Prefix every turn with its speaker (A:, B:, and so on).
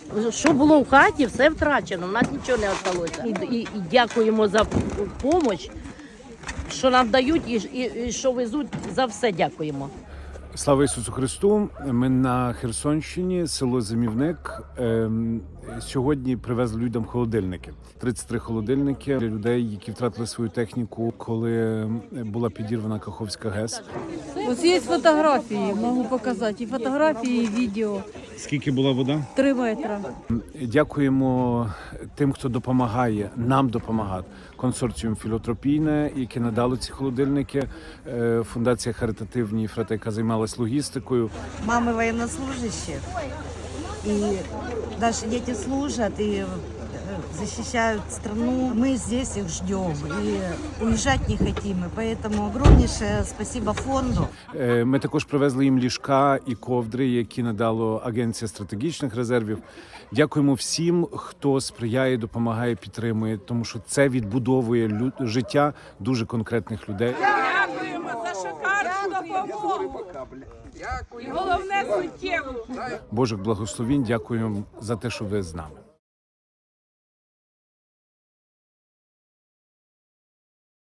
A: Що було в хаті, все втрачено, в нас нічого не залишилося. І дякуємо за допомогу, що нам дають і що везуть, за все дякуємо.
B: Слава Ісусу Христу! Ми на Херсонщині, село Зимівник. Сьогодні привезли людям холодильники. 33 холодильники для людей, які втратили свою техніку, коли була підірвана Каховська ГЕС.
C: Ось є фотографії, можу показати. І фотографії, і відео.
B: Скільки була вода?
C: 3 метри.
B: Дякуємо тим, хто допомагає, нам допомагати. Консорціум «Філотропійне», яке надало ці холодильники, фундація «Харитативні Фрати», яка займалась логістикою.
D: Мамы военнослужащих, и наши дети служат и защищают страну. Мы здесь их ждем и уезжать не хотим. И поэтому огромнейшее спасибо фонду.
B: Ми також привезли їм ліжка і ковдри, які надало Агенція стратегічних резервів. Дякуємо всім, хто сприяє, допомагає, підтримує, тому що це відбудовує життя дуже конкретних людей.
E: Дякуємо за шикарну допомогу. І головне суттєву.
B: Божих благословінь, дякуємо за те, що ви з нами.